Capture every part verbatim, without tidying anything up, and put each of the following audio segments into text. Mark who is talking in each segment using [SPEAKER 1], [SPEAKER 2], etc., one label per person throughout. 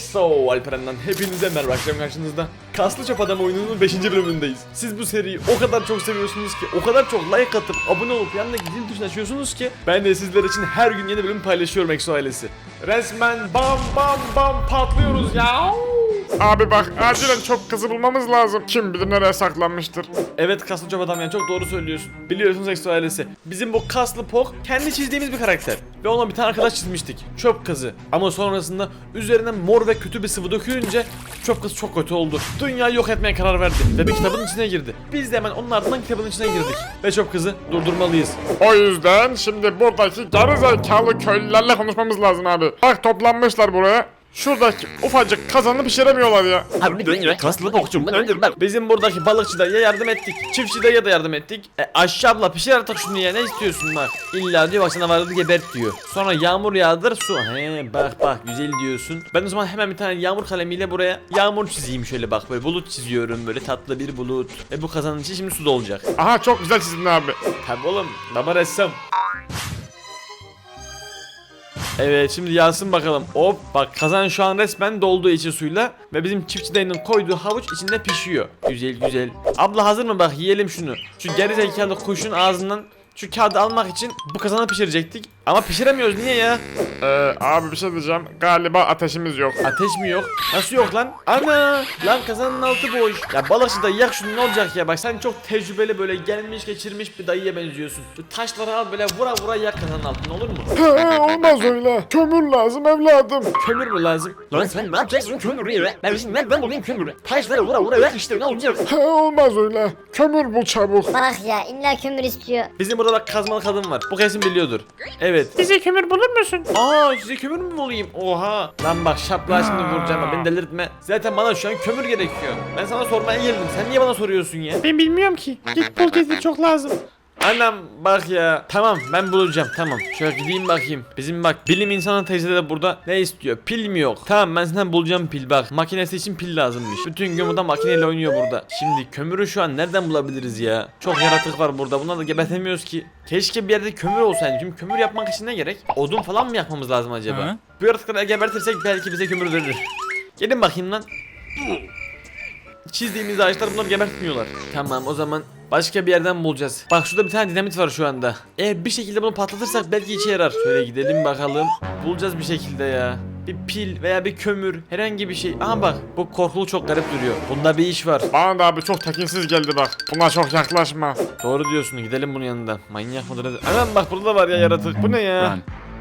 [SPEAKER 1] So, Alperen'den hepinize merhaba, akşam karşınızda Kaslı Çöp Adam oyununun beşinci bölümündeyiz. Siz bu seriyi o kadar çok seviyorsunuz ki, o kadar çok like atıp abone olup yanındaki zil tuşunu açıyorsunuz ki ben de sizler için her gün yeni bölüm paylaşıyorum Exo ailesi. Resmen bam bam bam patlıyoruz ya.
[SPEAKER 2] Abi bak, acilen çok kızı bulmamız lazım. Kim bilir nereye saklanmıştır.
[SPEAKER 1] Evet Kaslı Çöp Adam, yani çok doğru söylüyorsun. Biliyorsunuz Exo ailesi, bizim bu kaslı Pok kendi çizdiğimiz bir karakter. Ve ona bir tane arkadaş çizmiştik, çöp kızı. Ama sonrasında üzerine mor ve kötü bir sıvı dökülünce çöp kız çok kötü oldu. Dünyayı yok etmeye karar verdi ve bir kitabın içine girdi. Biz de hemen onun ardından kitabın içine girdik. Ve çöp kızı durdurmalıyız.
[SPEAKER 2] O yüzden şimdi buradaki gerizekalı köylülerle konuşmamız lazım abi. Bak, toplanmışlar buraya. Şuradaki ufacık kazanı pişiremiyorlar ya.
[SPEAKER 3] Abi dönüyor. Kaslı bokçumdan öldürmem.
[SPEAKER 1] Bizim buradaki balıkçı dayıya yardım ettik. Çiftçi dayıya da yardım ettik. E aşağı abla pişir artık şunu ya, ne istiyorsun bak. İlla diyor bak sana vardı gebert diyor. Sonra yağmur yağdır su. He bak bak güzel diyorsun. Ben o zaman hemen bir tane yağmur kalemiyle buraya yağmur çizeyim şöyle, bak böyle bulut çiziyorum, böyle tatlı bir bulut. E bu kazanın içi şimdi su dolacak.
[SPEAKER 2] Aha, çok güzel çizdin abi.
[SPEAKER 1] Tabi oğlum, baba ressam. Evet, şimdi yağsın bakalım. Hop bak, kazan şu an resmen dolduğu içi suyla ve bizim çiftçi dayının koyduğu havuç içinde pişiyor. Güzel güzel. Abla hazır mı, bak yiyelim şunu. Şu gerizekalı kuşun ağzından şu kağıdı almak için bu kazanı pişirecektik. Ama pişiremiyoruz, niye ya?
[SPEAKER 2] Ee, abi bir şey diyeceğim. Galiba ateşimiz yok.
[SPEAKER 1] Ateş mi yok? Nasıl yok lan? Ana! Lan kazanın altı boş. Ya balıkçı dayı yak şunu, ne olacak ya? Bak sen çok tecrübeli, böyle gelmiş geçirmiş bir dayıya benziyorsun. Şu taşları al böyle vura vura yak kazanın altını, olur mu?
[SPEAKER 2] He, olmaz öyle. Kömür lazım evladım.
[SPEAKER 1] Kömür mü lazım?
[SPEAKER 3] Lan sen ne yapacaksın kömürü ya? Ben şimdi ben, ben bulayım kömürü. Taşları vura vura ver işte, ne olacak?
[SPEAKER 2] He, olmaz öyle. Kömür bul çabuk.
[SPEAKER 4] Bak ya, illa kömür istiyor.
[SPEAKER 1] Bizim burada bak kazmalı kadın var. Bu kesin biliyordur. Evet.
[SPEAKER 3] Bize kömür bulur musun?
[SPEAKER 1] Aa, size kömür mü bulayım? Oha. Lan bak şapla şimdi vuracağım ama beni delirtme. Zaten bana şu an kömür gerekiyor. Ben sana sormaya geldim. Sen niye bana soruyorsun ya?
[SPEAKER 3] Ben bilmiyorum ki. Git bul dedi, çok lazım.
[SPEAKER 1] Annem bak ya. Tamam, ben bulacağım, tamam. Şöyle gideyim bakayım. Bizim bak bilim insanı teyze de burada ne istiyor? Pil mi yok? Tamam, ben senden bulacağım pil bak. Makinesi için pil lazımmış. Bütün gün burada makineyle oynuyor burada. Şimdi kömürü şu an nereden bulabiliriz ya? Çok yaratık var burada. Bunları da gebertemiyoruz ki. Keşke bir yerde kömür olsaydı. Şimdi kömür yapmak için ne gerek? Odun falan mı yakmamız lazım acaba?
[SPEAKER 3] Hı?
[SPEAKER 1] Bu yaratıkları gebertirsek belki bize kömür verir. Gelin bakayım lan. Çizdiğimiz ağaçlar bunları gebertmiyorlar. Tamam, o zaman başka bir yerden bulacağız. Bak şurada bir tane dinamit var şu anda. Eğer bir şekilde bunu patlatırsak belki işe yarar. Şöyle gidelim bakalım. Bulacağız bir şekilde ya. Bir pil veya bir kömür, herhangi bir şey. Aha bak, bu korkulu çok garip duruyor. Bunda bir iş var.
[SPEAKER 2] Bana da abi çok tekinsiz geldi bak. Buna çok yaklaşma.
[SPEAKER 1] Doğru diyorsun, gidelim bunun yanından. Manyak mıdır nedir? Anam bak, burada da var ya yaratık. Bu ne ya?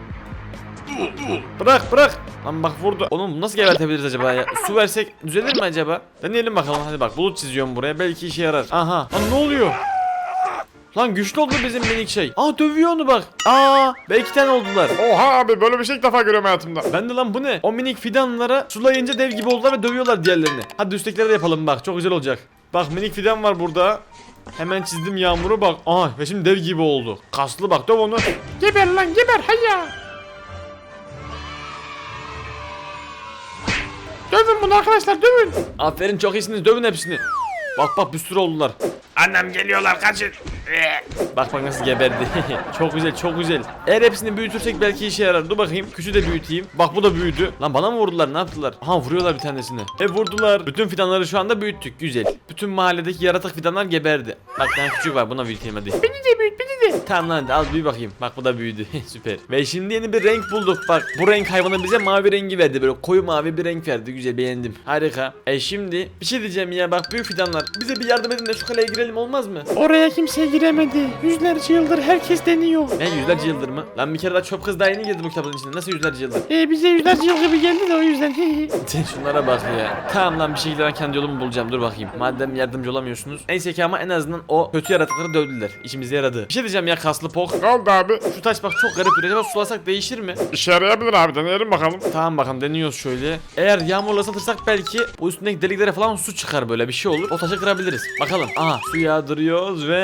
[SPEAKER 1] Bırak bırak. Lan bak vurdu. Oğlum nasıl gebertebiliriz acaba ya? Su versek düzelir mi acaba? Deneyelim bakalım, hadi bak, bulut çiziyorum buraya, belki işe yarar. Aha. Lan ne oluyor? Lan güçlü oldu bizim minik şey. Aa, dövüyor onu bak. Aa, belki tane oldular.
[SPEAKER 2] Oha abi, böyle bir şey ilk defa görüyorum hayatımda.
[SPEAKER 1] Ben de lan, bu ne? O minik fidanlara sulayınca dev gibi oldular ve dövüyorlar diğerlerini. Hadi üsttekileri de yapalım bak, çok güzel olacak. Bak, minik fidan var burada. Hemen çizdim yağmuru bak. Aha, ve şimdi dev gibi oldu. Kaslı bak, döv onu.
[SPEAKER 3] Geber lan geber, hayya. Dövün bunu arkadaşlar, dövün.
[SPEAKER 1] Aferin, çok iyisiniz, dövün hepsini. Bak bak, bir sürü oldular.
[SPEAKER 2] Annem geliyorlar, kaçın.
[SPEAKER 1] Bak bak nasıl geberdi. Çok güzel, çok güzel. Eğer hepsini büyütürsek belki işe yarar. Dur bakayım, küçüğü de büyüteyim. Bak bu da büyüdü. Lan bana mı vurdular, ne yaptılar? Aha, vuruyorlar bir tanesini. E vurdular. Bütün fidanları şu anda büyüttük, güzel. Bütün mahalledeki yaratık fidanlar geberdi. Bak bir tane küçük var, buna büyüteyim hadi.
[SPEAKER 3] Beni de büyüt, beni de.
[SPEAKER 1] Tamam lan, hadi al büyü bakayım. Bak bu da büyüdü. Süper. Ve şimdi yeni bir renk bulduk. Bak bu renk hayvanı bize mavi rengi verdi. Böyle koyu mavi bir renk verdi. Güzel, beğendim. Harika. E şimdi bir şey diyeceğim ya, bak büyük fidanlar. Bize bir yardım edin de şu kaleye girelim, olmaz mı?
[SPEAKER 3] Oraya kimse giremedi. Yüzlerce yıldır herkes deniyor.
[SPEAKER 1] Ne yüzlerce yıldır mı? Lan bir kere daha çöp kız daha yeni girdi bu kitabın içine. Nasıl yüzlerce yıldır?
[SPEAKER 3] Ee, bize yüzlerce yıl gibi geldi de o yüzden.
[SPEAKER 1] Şunlara bak ya. Tamam lan, bir şekilde ben kendi yolumu bulacağım. Dur bakayım. Madem yardımcı olamıyorsunuz. Neyse ki ama en azından o kötü yaratıkları dövdüler. İşimize yaradı. Bir şey diyeceğim ya kaslı Pok.
[SPEAKER 2] Ne oldu abi?
[SPEAKER 1] Şu taş bak çok garip duruyor. Acaba sulasak değişir mi?
[SPEAKER 2] İşe yarayabilir abi, deneyelim bakalım.
[SPEAKER 1] Tamam bakalım, deniyoruz şöyle. Eğer yağmurla ıslatırsak belki bu üstündeki deliklere falan su çıkar, böyle bir şey olur. O taşı kırabiliriz. Bakalım. Aha, su yağdırıyoruz ve evet,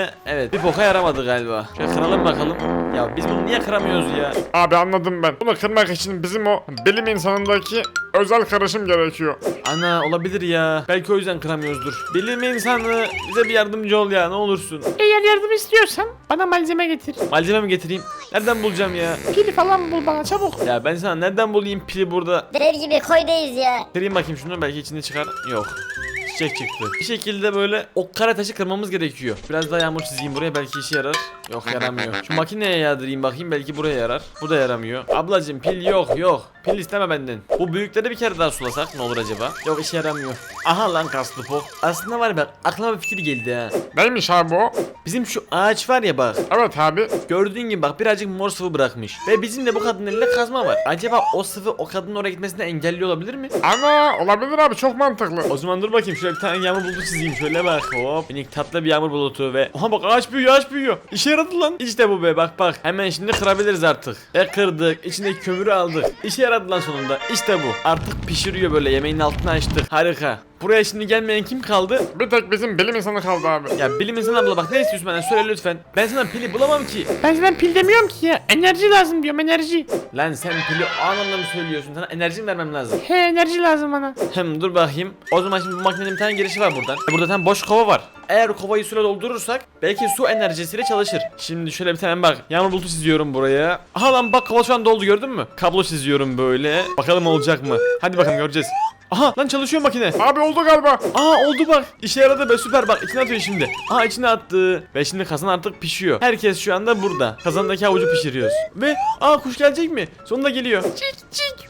[SPEAKER 1] Evet bir boka yaramadı galiba. Şöyle kıralım bakalım. Ya biz bunu niye kıramıyoruz ya?
[SPEAKER 2] Abi anladım ben. Bunu kırmak için bizim o bilim insanındaki özel karışım gerekiyor.
[SPEAKER 1] Ana olabilir ya. Belki o yüzden kıramıyoruzdur. Bilim insanı bize bir yardımcı ol ya ne olursun.
[SPEAKER 3] Eğer yardım istiyorsan bana malzeme getir.
[SPEAKER 1] Malzeme mi getireyim? Nereden bulacağım ya?
[SPEAKER 3] Pil falan bul bana çabuk.
[SPEAKER 1] Ya ben sana nereden bulayım pili burada?
[SPEAKER 4] Dev gibi koydayız ya.
[SPEAKER 1] Kırayım bakayım şunu belki içinde çıkar. Yok. Çiçek çıktı. Bir şekilde böyle o kara taşı kırmamız gerekiyor. Biraz daha yağmur çizeyim buraya belki işe yarar. Yok yaramıyor. Şu makineye yağdırayım bakayım belki buraya yarar. Bu da yaramıyor. Ablacım pil yok yok. Pil isteme benden. Bu büyükleri bir kere daha sulasak ne olur acaba? Yok işe yaramıyor. Aha lan kaslı pok. Aslında var ya bak aklıma bir fikir geldi ha.
[SPEAKER 2] Neymiş abi o?
[SPEAKER 1] Bizim şu ağaç var ya bak.
[SPEAKER 2] Evet abi.
[SPEAKER 1] Gördüğün gibi bak birazcık mor sıvı bırakmış. Ve bizim de bu kadının elinde kazma var. Acaba o sıvı o kadının oraya gitmesini engelliyor olabilir mi?
[SPEAKER 2] Ana olabilir abi çok mantıklı.
[SPEAKER 1] O zaman dur bakayım şöyle bir tane yağmur bulutu çizeyim şöyle bak hop. Minik tatlı bir yağmur bulutu ve aha bak ağaç büyüyor ağaç büyüyor. İşe yaradı lan. İşte bu be bak bak. Hemen şimdi kırabiliriz artık. Ve kırdık. İçindeki kömürü aldık. İşe yaradı lan sonunda. İşte bu. Artık pişiriyor böyle yemeğin altını açtık. Harika. Buraya şimdi gelmeyen kim kaldı?
[SPEAKER 2] Bir tek bizim bilim insanı kaldı abi.
[SPEAKER 1] Ya bilim insanı abla bak ne istiyorsun benden söyle lütfen. Ben sana pili bulamam ki.
[SPEAKER 3] Ben sana pil demiyorum ki ya. Enerji lazım diyorum enerji.
[SPEAKER 1] Lan sen pili o anlamda mı söylüyorsun? Sana enerji mi vermem lazım?
[SPEAKER 3] He enerji lazım bana.
[SPEAKER 1] Hem dur bakayım. O zaman şimdi bu makinenin bir tane girişi var buradan. E burada tam boş kova var. Eğer kovayı suyla doldurursak belki su enerjisiyle çalışır. Şimdi şöyle bir tane bak. Yağmur bulutu çiziyorum buraya. Aha lan bak kova şu an doldu gördün mü? Kablo çiziyorum böyle. Bakalım olacak mı? Hadi bakalım göreceğiz. Aha lan çalışıyor makine.
[SPEAKER 2] Abi oldu galiba.
[SPEAKER 1] Aa oldu bak. İşe yaradı be süper bak. İçine atıyor şimdi. Aa içine attı. Ve şimdi kazan artık pişiyor. Herkes şu anda burada. Kazandaki havucu pişiriyoruz. Ve aa kuş gelecek mi? Sonunda geliyor.
[SPEAKER 3] Cik cik.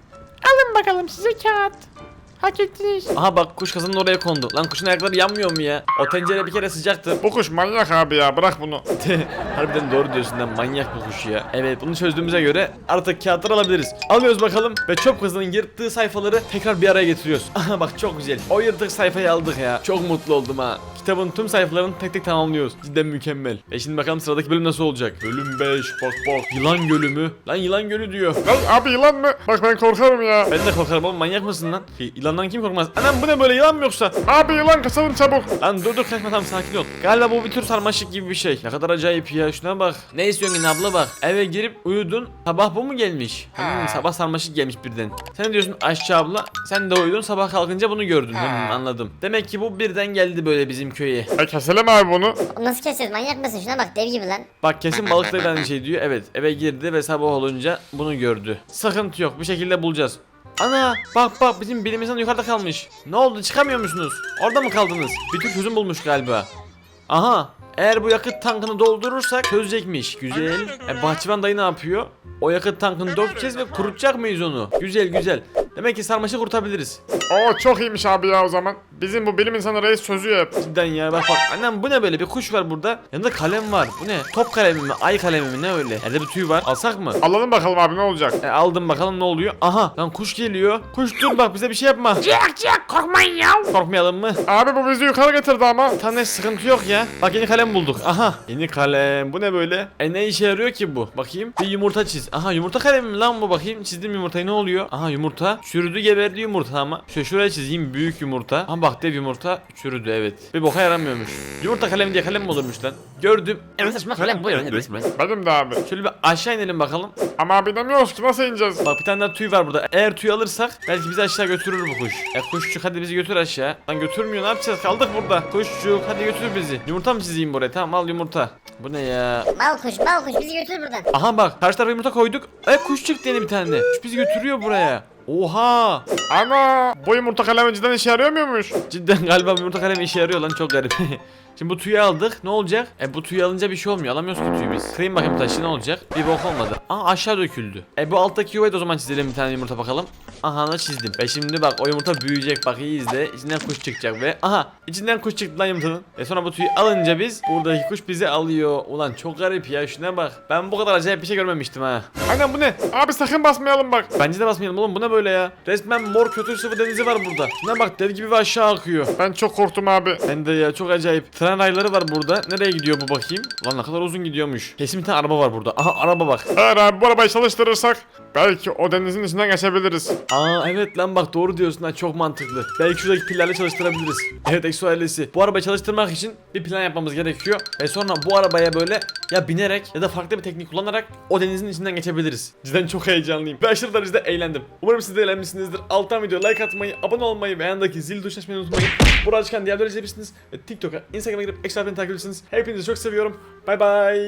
[SPEAKER 3] Alın bakalım size kağıt. Hak ettiniz.
[SPEAKER 1] Aha bak kuş kazanın oraya kondu. Lan kuşun ayakları yanmıyor mu ya? O tencere bir kere sıcaktı.
[SPEAKER 2] Bu kuş manyak abi ya bırak bunu.
[SPEAKER 1] Harbiden doğru diyorsun lan manyak bu kuş ya. Evet bunu çözdüğümüze göre artık kağıtları alabiliriz. Alıyoruz bakalım ve çöp kızının yırttığı sayfaları tekrar bir araya getiriyoruz. Aha bak çok güzel. O yırtık sayfayı aldık ya. Çok mutlu oldum ha. Kitabın tüm sayfalarını tek tek tamamlıyoruz. Cidden mükemmel. E şimdi bakalım sıradaki bölüm nasıl olacak? Bölüm beş bak bak. Yılan gölü mü? Lan yılan gölü diyor.
[SPEAKER 2] Lan abi yılan mı? Bak ben korkarım ya.
[SPEAKER 1] Ben de korkarım oğlum manyak mısın lan? Yılandan kim korkmaz? Anam bu ne böyle yılan mı yoksa?
[SPEAKER 2] Abi yılan kaçalım çabuk.
[SPEAKER 1] Lan dur dur kaçma tamam sakin ol. Galiba bu bir tür sarmaşık gibi bir şey. Ne kadar acayip ya şuna bak. Ne istiyorsun yine abla bak. Eve girip uyudun. Sabah bu mu gelmiş? Hmm, sabah sarmaşık gelmiş birden. Sen ne diyorsun aşçı abla? Sen de uyudun sabah kalkınca bunu gördün. Hmm, anladım. Demek ki bu birden geldi böyle bizim köye.
[SPEAKER 2] E keselim abi bunu.
[SPEAKER 4] O nasıl keseceğiz manyak mısın? Şuna bak dev gibi lan.
[SPEAKER 1] Bak kesin balıkta da aynı şey diyor. Evet eve girdi ve sabah olunca bunu gördü. Sıkıntı yok bir şekilde bulacağız. Ana bak bak bizim bilim insanı yukarıda kalmış. Ne oldu çıkamıyor musunuz? Orada mı kaldınız? Bir tür çözüm bulmuş galiba. Aha eğer bu yakıt tankını doldurursak çözecekmiş. Güzel. E, bahçıvan dayı ne yapıyor? O yakıt tankını dökeceğiz ve kurutacak mıyız onu? Güzel güzel. Demek ki sarmaşık kurutabiliriz.
[SPEAKER 2] Oo çok iyiymiş abi ya o zaman. Bizim bu bilim insanı reis çözüyor hep.
[SPEAKER 1] Cidden ya bak bak. Annem bu ne böyle bir kuş var burada. Yanında kalem var. Bu ne? Top kalemi mi? Ay kalemi mi? Ne öyle? Elde bir tüy var. Alsak mı?
[SPEAKER 2] Alalım bakalım abi ne olacak.
[SPEAKER 1] E, aldım bakalım ne oluyor. Aha lan kuş geliyor. Kuş dur bak bize bir şey yapma.
[SPEAKER 3] Cik cik korkmayın ya.
[SPEAKER 1] Korkmayalım mı?
[SPEAKER 2] Abi bu bizi yukarı getirdi ama.
[SPEAKER 1] Tane sıkıntı yok ya. Bak yeni kalem bulduk. Aha. Yeni kalem. Bu ne böyle? E ne işe yarıyor ki bu? Bakayım. Bir yumurta çiz. Aha yumurta kalemi mi lan bu bakayım. Çizdim yumurtayı ne oluyor? Aha yumurta. Çürüdü geberdi yumurta ama. Şöyle şuraya çizeyim büyük yumurta. Aha bak dev yumurta çürüdü evet. Bir boka yaramıyormuş. Yumurta kalemi diye kalem mi olurmuş lan? Gördüm.
[SPEAKER 3] Evet saçma kalem bu yani resmen.
[SPEAKER 2] Benim de abi.
[SPEAKER 1] Şöyle bir aşağı inelim bakalım.
[SPEAKER 2] Ama abi demiyoruz ki nasıl ineceğiz?
[SPEAKER 1] Bak bir tane daha tüy var burada. Eğer tüy alırsak belki bizi aşağı götürür bu kuş. E kuşçuk hadi bizi götür aşağı. Lan götürmüyor ne yapacağız? Kaldık burada. Kuşçuk hadi götür bizi. Yumurta mı çizeyim buraya? Tamam al yumurta. Bu ne ya?
[SPEAKER 4] Mal kuş mal kuş bizi götür buradan.
[SPEAKER 1] Aha bak karşı tarafa yumurta koyduk. E kuş çıktı yeni bir tane. Kuş bizi götürüyor buraya. Oha!
[SPEAKER 2] Ana bu yumurta kalemi cidden işe yarıyor muymuş?
[SPEAKER 1] Cidden galiba bu yumurta kalemi işe yarıyor lan çok garip. Şimdi bu tüyü aldık. Ne olacak? E bu tüyü alınca bir şey olmuyor. Alamıyoruz ki tüyü biz. Kırayım bakayım taşı ne olacak? Bir bok olmadı. Aa aşağı döküldü. E bu alttaki yuvayı da o zaman çizelim bir tane yumurta bakalım. Aha da çizdim. Ve şimdi bak o yumurta büyüyecek bak iyi izle. İçinden kuş çıkacak ve aha içinden kuş çıktı lan yumurtanın. Ve sonra bu tüyü alınca biz buradaki kuş bizi alıyor. Ulan çok garip ya şuna bak. Ben bu kadar acayip bir şey görmemiştim ha.
[SPEAKER 2] Aynen bu ne? Abi sakın basmayalım bak.
[SPEAKER 1] Bence de basmayalım oğlum bu ne böyle ya? Resmen mor kötü sıvı denizi var burada. Şuna bak dev gibi ve aşağı akıyor.
[SPEAKER 2] Ben çok korktum abi.
[SPEAKER 1] Ben de ya çok acayip. tren rayları var burada. Nereye gidiyor bu bakayım? Lan ne kadar uzun gidiyormuş. Kesin bir tane araba var burada. Aha araba bak.
[SPEAKER 2] Eğer abi bu arabayı çalıştırırsak belki o denizin içinden geçebiliriz.
[SPEAKER 1] Aa evet lan bak doğru diyorsun ha, çok mantıklı. Belki şuradaki pillerle çalıştırabiliriz. Evet Exo ailesi. Bu arabayı çalıştırmak için bir plan yapmamız gerekiyor. Ve sonra bu arabaya böyle ya binerek ya da farklı bir teknik kullanarak o denizin içinden geçebiliriz. Cidden çok heyecanlıyım. Ve aşırı derecede eğlendim. Umarım siz de eğlenmişsinizdir. Alttan videoya like atmayı, abone olmayı ve yanındaki zil tuşuna açmayı unutmayın. Burada çıkan diğer videoları izleyebilirsiniz. Ve TikTok'a, Instagram'a girip Exo ailesini takip edebilirsiniz. Hepinizi çok seviyorum. Bay bay.